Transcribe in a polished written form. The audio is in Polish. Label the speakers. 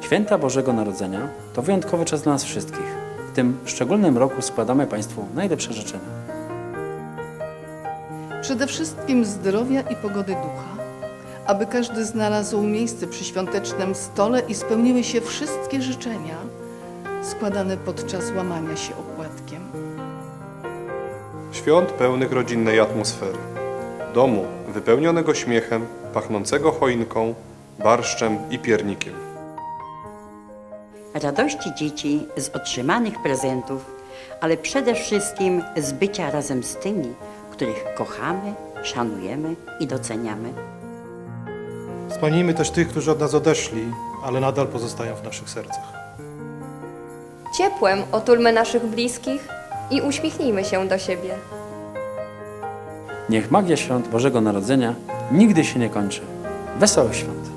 Speaker 1: Święta Bożego Narodzenia to wyjątkowy czas dla nas wszystkich. W tym szczególnym roku składamy Państwu najlepsze życzenia.
Speaker 2: Przede wszystkim zdrowia i pogody ducha, aby każdy znalazł miejsce przy świątecznym stole i spełniły się wszystkie życzenia składane podczas łamania się opłatkiem.
Speaker 3: Świąt pełnych rodzinnej atmosfery. Domu wypełnionego śmiechem, pachnącego choinką, barszczem i piernikiem.
Speaker 4: Radości dzieci z otrzymanych prezentów, ale przede wszystkim z bycia razem z tymi, których kochamy, szanujemy i doceniamy.
Speaker 5: Wspomnijmy też tych, którzy od nas odeszli, ale nadal pozostają w naszych sercach.
Speaker 6: Ciepłem otulmy naszych bliskich i uśmiechnijmy się do siebie.
Speaker 1: Niech magia świąt Bożego Narodzenia nigdy się nie kończy. Wesołych świąt!